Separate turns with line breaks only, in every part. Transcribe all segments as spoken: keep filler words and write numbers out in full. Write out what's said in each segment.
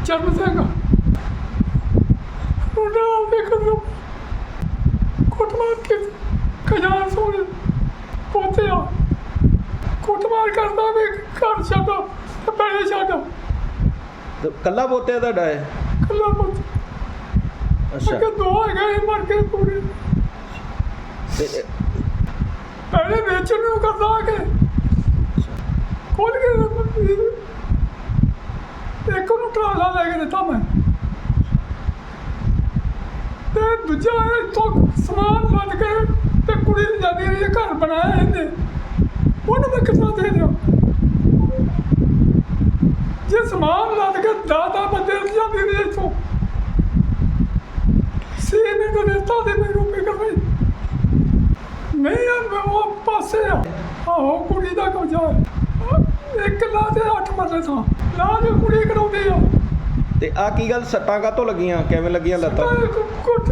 ਚਰਨ ਸਿੰਘ ਉਹਨਾਂ ਆਪਦੇ ਕਦਮ ਕੁੱਟਮਾਰ ਕੇ ਖਜ਼ਾਨ ਸੋਨੇ ਪੋਤੇ ਆ ਕੁੱਟਮਾਰ ਕਰਦਾ ਵੀ ਘਰ ਛੱਡ ਤੇ ਪੈਸੇ ਛੱਡ।
ਤੇ ਕੱਲਾ ਪੋਤਿਆ ਤੁਹਾਡਾ ਹੈ?
ਕੱਲਾ ਪੁੱਤ।
ਅੱਛਾ।
ਅੱਗੇ ਦੋ ਹੈਗੇ ਸੀ ਮਰ ਕੇ ਪੂਰੇ।
ਤੇ
ਪਹਿਲੇ ਵੇਚਣ ਨੂੰ ਕਰਦਾ ਆ ਕੇ ਖੋਲ ਕੇ ਇੱਕ ਨੂੰ ਟਰਾਲਾ ਲੈ ਕੇ ਦਿੱਤਾ ਮੈਂ ਤੇ ਦੂਜਾ ਇੱਥੋਂ ਸਮਾਨ ਲੱਦ ਕੇ ਤੇ ਕੁੜੀ ਨੂੰ ਜਾਂਦੀ ਰਹੀ ਘਰ ਬਣਾਇਆ ਇਹਨੇ ਉਹਨੂੰ ਮੈਂ ਕਿੱਥੋਂ ਦੇ ਦਿਆਂ ਜੇ ਸਮਾਨ ਲੱਦ ਕੇ ਦਾਦਾ ਬੰਦੇ ਨੂੰ ਜਾਂਦੀ ਰਹੀ ਇੱਥੋਂ ਸੀ ਨੇ ਤਾਂ ਦਿੱਤਾ ਦੇ ਮੈਨੂੰ ਫਿਕਰ ਨਹੀਂ ਨਹੀਂ ਆ ਉਹ ਪਾਸੇ ਆ ਆਹੋ ਕੁੜੀ ਦਾ ਕਬਜ਼ਾ ਹੈ ਇੱਕ ਲਾ ਤੇ ਅੱਠ ਮਰਲੇ ਥਾਂ ਲਾ ਦੇ ਕੁੜੀ ਕਰਾਉਂਦੀ ਆ।
ਤੇ ਆ ਕੀ ਗੱਲ ਸੱਟਾਂ ਕਾਹਤੋਂ ਲੱਗੀਆਂ ਕਿਵੇਂ ਲੱਗੀਆਂ ਲੱਤਾਂ?
ਕੁੱਟ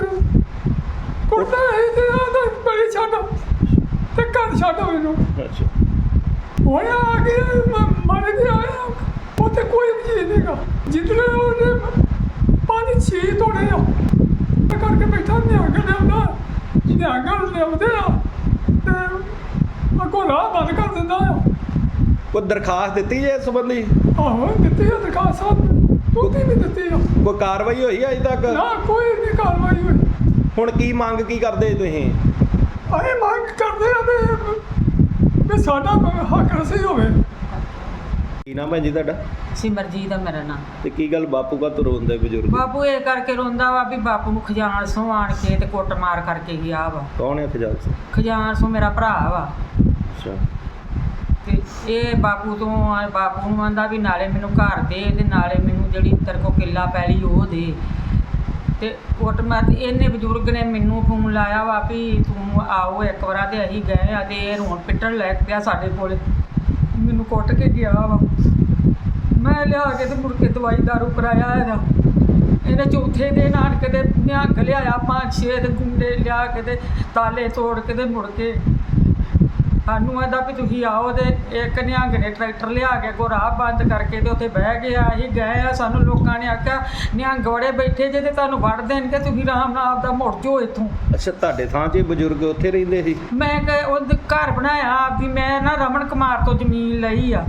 ਕੁੱਟਦਾ ਹੈ ਤੇ ਆਂਦਾ ਬੜੀ ਛੱਡ ਤੇ ਘਰ ਛੱਡ ਮੈਨੂੰ।
ਅੱਛਾ।
ਹੁਣ ਆ ਗਿਆ ਮਰ ਗਿਆ ਉੱਥੇ ਕੋਈ ਵੀ ਚੀਜ਼ ਨਹੀਂਗਾ ਜਿੱਦਲੇ ਉਹਨੇ ਪੰਜ ਛੇ ਤੋੜੇ ਆ ਕਰਕੇ ਬੈਠਾ ਨਿਆਂਗਾ ਲਿਆਉਂਦਾ ਨਿਆਂਗਾ ਲਿਆਉਂਦੇ ਆ ਤੇ ਅੱਗੋਂ ਰਾਹ ਬੰਦ ਕਰ ਦਿੰਦਾ ਆ।
ਕੋਈ ਦਰਖਾਸਤ ਦਿੱਤੀ ਜੇ ਇਸ ਸੰਬੰਧੀ?
ਆਹੋ ਦਿੱਤੀ ਆ ਦਰਖਾਸਤ ਸਾਹਿਬ ਤੁਸੀਂ ਵੀ ਦਿੱਤੀ ਆ।
ਕੋਈ ਕਾਰਵਾਈ ਹੋਈ ਅਜੇ ਤੱਕ?
ਨਾ ਕੋਈ ਨਹੀਂ ਕਾਰਵਾਈ ਹੋਈ।
ਹੁਣ ਕੀ ਮੰਗ ਕੀ ਕਰਦੇ ਤੁਸੀਂ?
ਅਸੀਂ ਮੰਗ ਕਰਦੇ ਆ ਵੀ ਵੀ ਸਾਡਾ ਹੱਕ ਰਸੀ ਹੋਵੇ।
ਕੀ ਨਾਮ ਹੈ ਜੀ ਤੁਹਾਡਾ?
ਸਿਮਰਜੀਤ ਦਾ ਮੇਰਾ ਨਾਂ।
ਤੇ ਕੀ ਗੱਲ ਬਾਪੂ ਕਾ ਰੋਂਦੇ ਬਜ਼ੁਰਗ?
ਬਾਪੂ ਇਹ ਕਰਕੇ ਰੋਂਦਾ ਵਾ ਵੀ ਬਾਪੂ ਨੂੰ ਖਜ਼ਾਨ ਸੋਂ ਆਣ ਕੇ ਤੇ ਕੁੱਟ ਮਾਰ ਕਰਕੇ ਗਿਆ ਵਾ।
ਕੌਣ ਹੈ ਖਜਾਲ ਸਿੰਘ?
ਖਜ਼ਾਨ ਸੋਂ ਮੇਰਾ ਭਰਾ ਵਾ
ਅੱਛਾ।
ਤੇ ਇਹ ਬਾਪੂ ਤੋਂ ਬਾਪੂ ਨੂੰ ਆਂਦਾ ਵੀ ਨਾਲੇ ਮੈਨੂੰ ਘਰ ਦੇ ਤੇ ਨਾਲੇ ਮੈਨੂੰ ਜਿਹੜੀ ਤੇਰੇ ਕੋਲ ਕਿੱਲਾ ਪੈਲੀ ਉਹ ਦੇ ਤੇ ਕੁੱਟ ਮਾਰ। ਇਹਨੇ ਬਜ਼ੁਰਗ ਨੇ ਮੈਨੂੰ ਫੋਨ ਲਾਇਆ ਵਾ ਵੀ ਤੂੰ ਆਓ ਇੱਕ ਵਾਰ ਤੇ ਅਸੀਂ ਗਏ ਆ ਤੇ ਇਹ ਰੋਣ ਪਿੱਟਣ ਲੈ ਪਿਆ ਸਾਡੇ ਕੋਲ ਮੈਨੂੰ ਕੁੱਟ ਕੇ ਗਿਆ ਵਾ। ਮੈਂ ਲਿਆ ਕੇ ਤੇ ਮੁੜ ਕੇ ਦਵਾਈ ਦਾਰੂ ਕਰਾਇਆ ਇਹਦਾ। ਇਹਨੇ ਚੌਥੇ ਦਿਨ ਆਣ ਕੇ ਤੇ ਨਿਹੰਗ ਲਿਆਇਆ ਪੰਜ ਛੇ ਤੇ ਗੁੰਡੇ ਲਿਆ ਕੇ ਤੇ ਤਾਲੇ ਤੋੜ ਕੇ ਤੇ ਮੁੜ ਕੇ ਸਾਨੂੰ ਇਹਦਾ ਵੀ ਤੁਸੀਂ ਆਓ ਤੇ ਇੱਕ ਨਿਹੰਗ ਨੇ ਟਰੈਕਟਰ ਲਿਆ ਕੇ ਕੋ ਰਾਹ ਬੰਦ ਕਰਕੇ ਤੇ ਉੱਥੇ ਬਹਿ ਗਏ ਆ। ਅਸੀਂ ਗਏ ਆ ਸਾਨੂੰ ਲੋਕਾਂ ਨੇ ਆਖਿਆ ਨਿਹੰਗ ਵੜੇ ਬੈਠੇ ਜੇ ਤੇ ਤੁਹਾਨੂੰ ਵੜ ਦੇਣਗੇ ਤੁਸੀਂ ਆਰਾਮ ਨਾਲ ਆਪਦਾ ਮੁੜ ਜਾਓ ਇੱਥੋਂ।
ਅੱਛਾ ਤੁਹਾਡੇ ਥਾਂ 'ਚ ਬਜ਼ੁਰਗ ਉੱਥੇ ਰਹਿੰਦੇ ਸੀ?
ਮੈਂ ਕਿ ਉਹ ਘਰ ਬਣਾਇਆ ਵੀ ਮੈਂ ਨਾ ਰਮਨ ਕੁਮਾਰ ਤੋਂ ਜ਼ਮੀਨ ਲਈ ਆ।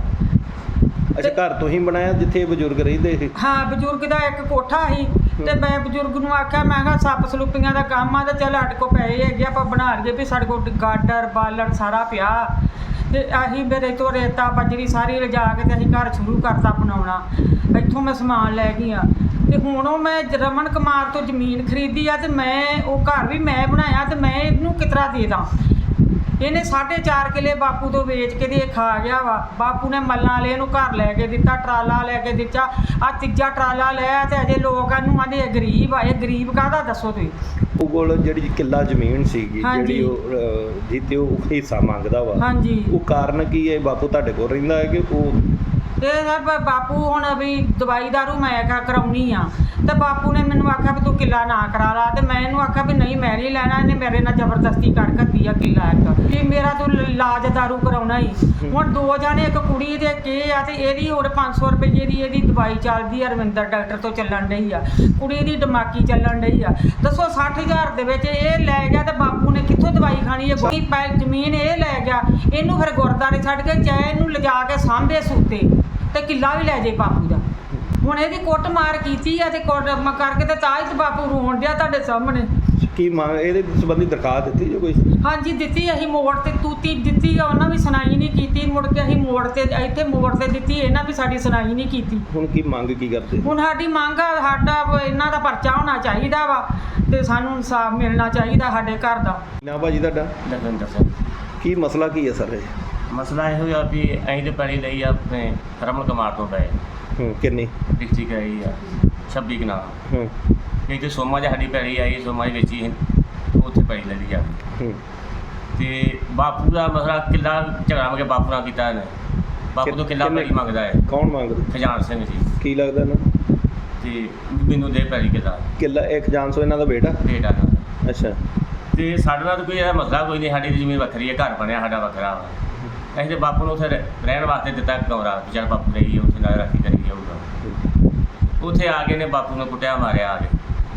ਅੱਛਾ ਘਰ ਤੁਸੀਂ ਬਣਾਇਆ ਜਿੱਥੇ ਬਜ਼ੁਰਗ ਰਹਿੰਦੇ ਸੀ?
ਹਾਂ ਬਜ਼ੁਰਗ ਦਾ ਇੱਕ ਕੋਠਾ ਸੀ ਤੇ ਮੈਂ ਬਜ਼ੁਰਗ ਨੂੰ ਆਖਿਆ ਮੈਂ ਕਿਹਾ ਸੱਪ ਸਲੂਪੀਆਂ ਦਾ ਕੰਮ ਆ ਤੇ ਚੱਲ ਸਾਡੇ ਕੋਲ ਪੈਸੇ ਹੈਗੇ ਆਪਾਂ ਬਣਾ ਲਈਏ ਵੀ ਸਾਡੇ ਕੋਲ ਗਾਡਰ ਬਾਲਣ ਸਾਰਾ ਪਿਆ ਤੇ ਅਸੀਂ ਮੇਰੇ ਤੋਂ ਰੇਤਾ ਬਜਰੀ ਸਾਰੀ ਲਿਜਾ ਕੇ ਤੇ ਅਸੀਂ ਘਰ ਸ਼ੁਰੂ ਕਰਤਾ ਬਣਾਉਣਾ। ਇੱਥੋਂ ਮੈਂ ਸਮਾਨ ਲੈ ਗਈ ਆ ਤੇ ਹੁਣ ਉਹ ਮੈਂ ਰਮਨ ਕੁਮਾਰ ਤੋਂ ਜ਼ਮੀਨ ਖਰੀਦੀ ਆ ਤੇ ਮੈਂ ਉਹ ਘਰ ਵੀ ਮੈਂ ਬਣਾਇਆ ਤੇ ਮੈਂ ਇਹਨੂੰ ਕਿਤਰਾ ਦੇ ਦਾਂ। ਇਹਨੇ ਸਾਢੇ ਚਾਰ ਕਿੱਲੇ ਬਾਪੂ ਤੋਂ ਵੇਚ ਕੇ ਤੇ ਇਹ ਖਾ ਗਿਆ ਵਾ। ਬਾਪੂ ਨੇ ਮੱਲਾਂ ਵਾਲੇ ਇਹਨੂੰ ਘਰ ਲੈ ਕੇ ਦਿੱਤਾ ਟਰਾਲਾ ਲੈ ਕੇ ਦਿੱਤਾ ਆ ਤੀਜਾ ਟਰਾਲਾ ਲਿਆ ਤੇ ਅਜੇ ਲੋਕ ਇਹਨੂੰ ਆਂਦੇ ਇਹ ਗਰੀਬ ਆ। ਇਹ ਗਰੀਬ ਕਾਹਦਾ ਦੱਸੋ ਤੁਸੀਂ?
ਉਹ ਕੋਲ ਜਿਹੜੀ ਕਿੱਲਾ ਜ਼ਮੀਨ ਸੀਗੀ ਜਿਹੜੀ ਉਹ ਜਿੱਤੇ ਉਹ ਹਿੱਸਾ ਮੰਗਦਾ ਵਾ
ਹਾਂਜੀ
ਉਹ ਕਾਰਨ ਕੀ ਹੈ? ਬਾਪੂ ਤੁਹਾਡੇ ਕੋਲ ਰਹਿੰਦਾ ਹੈ ਕਿ ਉਹ?
ਤੇ ਬਾਪੂ ਹੁਣ ਵੀ ਦਵਾਈ ਦਾਰੂ ਮੈਂ ਕਾ ਕਰਾਉਣੀ ਆ ਤੇ ਬਾਪੂ ਨੇ ਮੈਨੂੰ ਆਖਿਆ ਵੀ ਤੂੰ ਕਿੱਲਾ ਨਾ ਕਰਾ ਲਾ ਤੇ ਮੈਂ ਇਹਨੂੰ ਆਖਿਆ ਵੀ ਨਹੀਂ ਮੈਂ ਨਹੀਂ ਲੈਣਾ। ਇਹਨੇ ਮੇਰੇ ਨਾਲ ਜ਼ਬਰਦਸਤੀ ਕਰ ਘੱਤੀ ਆ ਕਿੱਲਾ ਇੱਕ ਕਿ ਮੇਰਾ ਤੂੰ ਇਲਾਜ ਦਾਰੂ ਕਰਾਉਣਾ ਹੀ। ਹੁਣ ਦੋ ਜਾਣੇ ਇੱਕ ਕੁੜੀ ਦੇ ਕੇ ਆ ਤੇ ਇਹਦੀ ਹੁਣ ਪੰਜ ਸੌ ਰੁਪਏ ਦੀ ਇਹਦੀ ਦਵਾਈ ਚੱਲਦੀ ਆ ਰਵਿੰਦਰ ਡਾਕਟਰ ਤੋਂ ਚੱਲਣ ਡਈ ਆ। ਕੁੜੀ ਦੀ ਦਿਮਾਗੀ ਚੱਲਣ ਡਈ ਆ। ਦੱਸੋ ਸੱਠ ਹਜ਼ਾਰ ਦੇ ਵਿੱਚ ਇਹ ਲੈ ਗਿਆ ਤੇ ਬਾਪੂ ਨੇ ਕਿੱਥੋਂ ਦਵਾਈ ਖਾਣੀ? ਇਹ ਪੈ ਜ਼ਮੀਨ ਇਹ ਲੈ ਗਿਆ ਇਹਨੂੰ ਫਿਰ ਗੁਰਦਾਰੇ ਛੱਡ ਕੇ ਚਾਹੇ ਇਹਨੂੰ ਲਿਜਾ ਕੇ ਸਾਂਭੇ ਸੂਤੇ ਤੇ ਕਿੱਲਾ ਵੀ ਲੈ ਜੇ ਬਾਪੂ ਦਾ। ਹੁਣ ਇਹਦੀ ਕੁੱਟ ਮਾਰ ਕੀਤੀ ਆ ਤੇ ਕੁੱਟ ਕਰਕੇ ਤੇ ਤਾਂ ਹੀ ਬਾਪੂ ਰੋਣ ਡਿਆ ਤੁਹਾਡੇ ਸਾਹਮਣੇ।
ਕੀ ਮੰਗ ਇਹਦੇ ਸੰਬੰਧੀ ਦਰਖਾਸਤ ਦਿੱਤੀ ਜੋ ਕੋਈ?
ਹਾਂਜੀ ਦਿੱਤੀ। ਅਸੀਂ ਮੋੜ ਤੇ ਤੂਤੀ ਦਿੱਤੀ ਆ ਉਹਨਾਂ ਵੀ ਸੁਣਾਈ ਨਹੀਂ ਕੀਤੀ। ਮੁੜ ਕੇ ਅਸੀਂ ਮੋੜ ਤੇ ਇੱਥੇ ਮੋੜ ਤੇ ਦਿੱਤੀ ਇਹਨਾਂ ਵੀ ਸਾਡੀ ਸੁਣਾਈ ਨਹੀਂ ਕੀਤੀ।
ਹੁਣ ਕੀ ਮੰਗ ਕੀ ਕਰਦੇ?
ਹੁਣ ਸਾਡੀ ਮੰਗ ਆ ਸਾਡਾ ਇਹਨਾਂ ਦਾ ਪਰਚਾ ਹੋਣਾ ਚਾਹੀਦਾ ਵਾ ਤੇ ਸਾਨੂੰ ਇਨਸਾਫ ਮਿਲਣਾ ਚਾਹੀਦਾ ਸਾਡੇ ਘਰ ਦਾ।
ਨਾ ਭਾਜੀ ਤੁਹਾਡਾ?
ਦਰਵਿੰਦਰ ਸਿੰਘ।
ਕੀ ਮਸਲਾ ਕੀ ਹੈ ਸਰ ਇਹ?
ਮਸਲਾ ਇਹੋ ਆ ਵੀ ਅਸੀਂ ਤੇ ਪੈਲੀ ਲਈ ਆ ਆਪਣੇ ਰਮਨ ਕੁਮਾਰ ਤੋਂ ਪਏ
ਹੂੰ ਕਿੰਨੀ?
ਡਿਸਟ੍ਰਿਕਟ ਆਈ ਆ ਛੱਬੀ ਕਨਾਲ।
ਹੂੰ
ਇਹ ਤੇ ਸੋਮਾ ਜੀ ਸਾਡੀ ਪੈਲੀ ਆਈ ਸੋਮਾ ਜੀ ਵੇਚੀ ਉੱਥੇ ਪੈਲੀ ਲੈ ਲਈ ਆ।
ਹੂੰ
ਤੇ ਬਾਪੂ ਦਾ ਮਸਲਾ ਕਿੱਲਾ ਝਗੜਾ ਮਗੇ ਬਾਪੂ ਨਾਲ ਕੀਤਾ ਇਹਨੇ। ਬਾਪੂ ਤੋਂ ਕਿੱਲਾ ਪੈਲੀ ਮੰਗਦਾ ਹੈ।
ਕੌਣ ਮੰਗਦਾ?
ਖਜ਼ਾਨ ਸਿੰਘ ਜੀ।
ਕੀ ਲੱਗਦਾ ਨਾ?
ਤੇ ਮੈਨੂੰ ਦੇ ਪੈਲੀ ਕਿੱਲਾ
ਕਿੱਲਾ ਇੱਕ ਜਾਨ ਸੋ ਇਹਨਾਂ ਦਾ ਬੇਟਾ?
ਬੇਟਾ ਨਾਲ।
ਅੱਛਾ।
ਤੇ ਸਾਡੇ ਨਾਲ ਤਾਂ ਕੋਈ ਇਹਦਾ ਮਸਲਾ ਕੋਈ ਨਹੀਂ। ਸਾਡੀ ਜ਼ਮੀਨ ਵੱਖਰੀ ਹੈ ਘਰ ਬਣਿਆ ਸਾਡਾ ਵੱਖਰਾ ਵਾ। ਅਸੀਂ ਤੇ ਬਾਪੂ ਨੂੰ ਉੱਥੇ ਰਹਿਣ ਵਾਸਤੇ ਦਿੱਤਾ ਕਮਰਾ ਵੀ ਚੱਲ ਬਾਪੂ ਰਹੀ ਉੱਥੇ ਨਾਲ ਰਾਖੀ ਕਰੀ ਜਾਊਗਾ। ਉੱਥੇ ਆ ਕੇ ਨੇ ਬਾਪੂ ਨੂੰ ਕੁੱਟਿਆ ਮਾਰਿਆ ਆ ਕੇ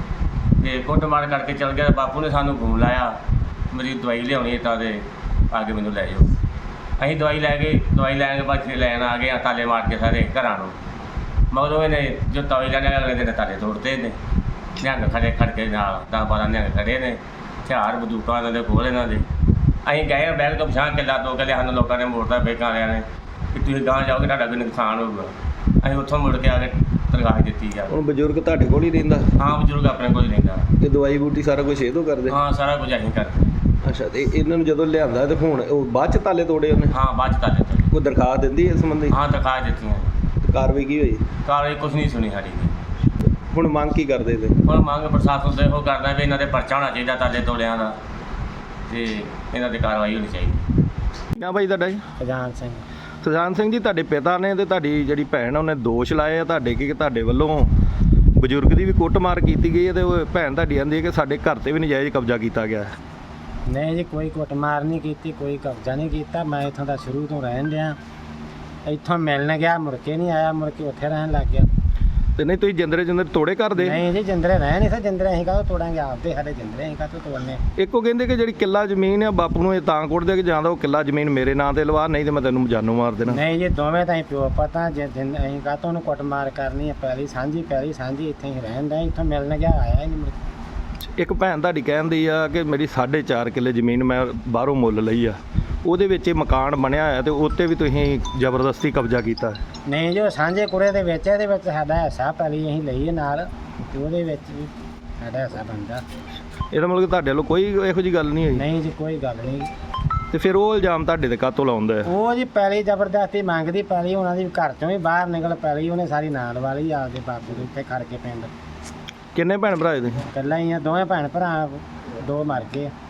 ਤੇ ਕੁੱਟ ਮਾਰ ਕਰਕੇ ਚਲ ਗਿਆ। ਬਾਪੂ ਨੇ ਸਾਨੂੰ ਫੋਨ ਲਾਇਆ ਮੇਰੀ ਦਵਾਈ ਲਿਆਉਣੀ ਤਾਂ ਤੇ ਆ ਕੇ ਮੈਨੂੰ ਲੈ ਜਾਓ। ਅਸੀਂ ਦਵਾਈ ਲੈ ਕੇ ਦਵਾਈ ਲੈਣ ਕੇ ਬਾਅਦ ਲੈਣ ਆ ਗਏ, ਤਾਲੇ ਮਾਰ ਕੇ ਸਾਰੇ ਘਰਾਂ ਨੂੰ। ਮਗਰੋਂ ਇਹਨੇ ਜੋ ਦਵਾਈ ਲੈਣ ਅਗਲੇ ਦਿਨ ਤਾਲੇ ਤੋੜਦੇ ਨੇ, ਨਿਹੰਗ ਖੜੇ ਖੜ ਕੇ ਨਾਲ ਦਸ ਬਾਰਾਂ ਨਿਹੰਗ ਖੜੇ ਨੇ, ਹਥਿਆਰ ਬੰਦੂਕਾਂ ਇਹਨਾਂ ਦੇ ਕੋਲ ਇਹਨਾਂ ਦੇ। ਅਸੀਂ ਗਏ ਬੈਗ ਤੋਂ ਪਛਾਣ ਕਿੱਲਾ ਦੋ ਕਿੱਲੇ ਸਾਨੂੰ ਲੋਕਾਂ ਨੇ ਮੋੜਦਾ ਬੈਂਕਾਂ ਵਾਲਿਆਂ ਨੇ ਕਿ ਤੁਸੀਂ ਗਾਂਹ ਜਾਓਗੇ ਤੁਹਾਡਾ ਕੋਈ ਨੁਕਸਾਨ ਹੋਊਗਾ। ਅਸੀਂ ਉੱਥੋਂ ਮੁੜ ਕੇ ਆ ਕੇ ਤਨਖਾਹ ਦਿੱਤੀ ਜਾ।
ਹੁਣ ਬਜ਼ੁਰਗ ਤੁਹਾਡੇ ਕੋਲ ਹੀ ਰਹਿੰਦਾ?
ਹਾਂ ਬਜ਼ੁਰਗ ਆਪਣੇ ਕੋਲ ਹੀ ਰਹਿੰਦਾ।
ਤੇ ਦਵਾਈ ਬੂਟੀ ਸਾਰਾ ਕੁਝ ਇਹ ਤੋਂ ਕਰਦੇ?
ਹਾਂ ਸਾਰਾ ਕੁਝ ਅਸੀਂ ਕਰਦੇ।
ਅੱਛਾ, ਤੇ ਇਹਨਾਂ ਨੂੰ ਜਦੋਂ ਲਿਆਂਦਾ ਤੇ ਹੁਣ ਉਹ ਬਾਅਦ ਚ ਤਾਲੇ ਤੋੜੇ ਉਹਨੇ?
ਹਾਂ ਬਾਅਦ ਚ ਤਾਲੇ ਤੋੜੇ।
ਕੋਈ ਦਰਖਾਸਤ ਦਿੰਦੀ ਇਸ ਸੰਬੰਧੀ?
ਹਾਂ ਦਿਖਾ ਦਿੱਤੀਆਂ।
ਕਾਰਵਾਈ ਕੀ ਹੋਈ?
ਕਾਰਵਾਈ ਕੁਛ ਨਹੀਂ ਸੁਣੀ ਸਾਡੀ ਨੇ।
ਹੁਣ ਮੰਗ ਕੀ ਕਰਦੇ ਤੇ?
ਹੁਣ ਮੰਗ ਪ੍ਰਸ਼ਾਸਨ ਤੋਂ ਇਹੋ ਕਰਦਾ ਵੀ ਇਹਨਾਂ ਦੇ ਪਰਚਾ ਹੋਣਾ ਚਾਹੀਦਾ ਤਾਲੇ ਤੋੜਿਆਂ ਦਾ ਤੇ ਇਹਨਾਂ ਦੀ ਕਾਰਵਾਈ ਹੋਣੀ ਚਾਹੀਦੀ।
ਕਿਆ ਭਾਈ ਤੁਹਾਡਾ ਜੀ?
ਖਜਾਨ ਸਿੰਘ।
ਸੁਜਾਨ ਸਿੰਘ ਜੀ, ਤੁਹਾਡੇ ਪਿਤਾ ਨੇ ਤੇ ਤੁਹਾਡੀ ਜਿਹੜੀ ਭੈਣ ਉਹਨੇ ਦੋਸ਼ ਲਾਏ ਆ ਤੁਹਾਡੇ ਕਿ ਤੁਹਾਡੇ ਵੱਲੋਂ ਬਜ਼ੁਰਗ ਦੀ ਵੀ ਕੁੱਟਮਾਰ ਕੀਤੀ ਗਈ ਹੈ ਤੇ ਉਹ ਭੈਣ ਤੁਹਾਡੀ ਕਹਿੰਦੀ ਹੈ ਕਿ ਸਾਡੇ ਘਰ ਤੇ ਵੀ ਨਜਾਇਜ਼ ਕਬਜ਼ਾ ਕੀਤਾ ਗਿਆ ਹੈ।
ਨਹੀਂ ਜੀ, ਕੋਈ ਕੁੱਟਮਾਰ ਨਹੀਂ ਕੀਤੀ, ਕੋਈ ਕਬਜ਼ਾ ਨਹੀਂ ਕੀਤਾ। ਮੈਂ ਇੱਥੋਂ ਦਾ ਸ਼ੁਰੂ ਤੋਂ ਰਹਿਣ ਡਿਆ। ਇੱਥੋਂ ਮਿਲਣ ਗਿਆ, ਮੁੜ ਕੇ ਨਹੀਂ ਆਇਆ, ਮੁੜ ਕੇ ਉੱਥੇ ਰਹਿਣ ਲੱਗ ਗਿਆ।
ਤੇ ਨਹੀਂ ਤੁਸੀਂ ਜਿੰਦਰੇ ਜਿੰਦਰੇ ਤੋੜੇ ਘਰ ਦੇ?
ਨਹੀਂ ਜੀ, ਜਿੰਦਰੇ ਰਹਿ ਨਹੀਂ ਸਰ, ਜਿੰਦਰੇ ਅਸੀਂ ਕਾਹਤੋਂ ਤੋੜਾਂਗੇ? ਆਪਦੇ ਸਾਡੇ ਜਿੰਦਰੇ ਅਸੀਂ ਕਾਹਤੋਂ ਤੋੜਨੇ?
ਇੱਕੋ ਕਹਿੰਦੇ ਕਿ ਜਿਹੜੀ ਕਿੱਲਾ ਜ਼ਮੀਨ ਆ ਬਾਪੂ ਨੂੰ ਇਹ ਤਾਂ ਕੁੱਟਦੇ ਕਿ ਜਾਂ ਤਾਂ ਉਹ ਕਿੱਲਾ ਜ਼ਮੀਨ ਮੇਰੇ ਨਾਂ ਤੇ ਲਵਾ, ਨਹੀਂ ਤੇ ਮੈਂ ਤੈਨੂੰ ਜਾਨੋਂ ਮਾਰ ਦੇਣਾ।
ਨਹੀਂ ਜੀ, ਦੋਵੇਂ ਤਾਂ ਅਸੀਂ ਪਿਓ ਪਤਾ ਜੇ ਜਿੰਦ ਅਸੀਂ ਕਾਹਤੋਂ ਉਹਨੂੰ ਕੁੱਟਮਾਰ ਕਰਨੀ ਹੈ? ਪਹਿਲੀ ਸਾਂਝੀ ਪਹਿਲੀ ਸਾਂਝੀ ਇੱਥੇ ਹੀ ਰਹਿਣ ਦਾ। ਇੱਥੋਂ ਮਿਲਣ ਗਿਆ, ਆਇਆ ਹੀ ਨਹੀਂ ਮੁੜ ਕੇ।
ਇੱਕ ਭੈਣ ਤੁਹਾਡੀ ਕਹਿੰਦੀ ਆ ਕਿ ਮੇਰੀ ਸਾਢੇ ਚਾਰ ਕਿੱਲੇ ਜ਼ਮੀਨ ਮੈਂ ਬਾਹਰੋਂ ਮੁੱਲ ਲਈ ਆ, ਉਹਦੇ ਵਿੱਚ ਇਹ ਮਕਾਨ ਬਣਿਆ ਹੋਇਆ ਤੇ ਉੱਤੇ ਵੀ ਤੁਸੀਂ ਜ਼ਬਰਦਸਤੀ ਕਬਜ਼ਾ ਕੀਤਾ?
ਨਹੀਂ ਜੀ, ਉਹ ਸਾਂਝੇ ਕੁੜੇ ਦੇ ਵਿੱਚ ਇਹਦੇ ਵਿੱਚ ਸਾਡਾ ਹਿੱਸਾ ਪਹਿਲੀ ਅਸੀਂ ਲਈ ਹੈ ਨਾਲ, ਤੇ ਉਹਦੇ ਵਿੱਚ ਵੀ ਸਾਡਾ ਹਿੱਸਾ ਬਣਦਾ।
ਇਹਦਾ ਮਤਲਬ ਕਿ ਤੁਹਾਡੇ ਵੱਲੋਂ ਕੋਈ ਇਹੋ ਜਿਹੀ ਗੱਲ ਨਹੀਂ ਹੋਈ?
ਨਹੀਂ ਜੀ, ਕੋਈ ਗੱਲ ਨਹੀਂ।
ਤੇ ਫਿਰ ਉਹ ਇਲਜ਼ਾਮ ਤੁਹਾਡੇ ਤੇ ਕਾਹਤੋਂ ਲਾਉਂਦਾ ਹੈ?
ਉਹ ਜੀ ਪੈਲੀ ਜ਼ਬਰਦਸਤੀ ਮੰਗਦੀ, ਪੈਲੀ ਉਹਨਾਂ ਦੀ ਘਰ ਚੋਂ ਵੀ ਬਾਹਰ ਨਿਕਲ ਪੈਲੀ ਉਹਨੇ ਸਾਰੀ ਨਾਲ ਵਾਲੀ ਆਪਦੇ ਬਾਪੂ ਦੇ ਉੱਤੇ ਖੜ ਕੇ ਪਿੰਡ।
ਕਿੰਨੇ ਭੈਣ ਭਰਾ ਇਹਦੇ?
ਇਕੱਲਾ ਹੀ ਆ, ਦੋਵੇਂ ਭੈਣ ਭਰਾ, ਦੋ ਮਰ ਗਏ।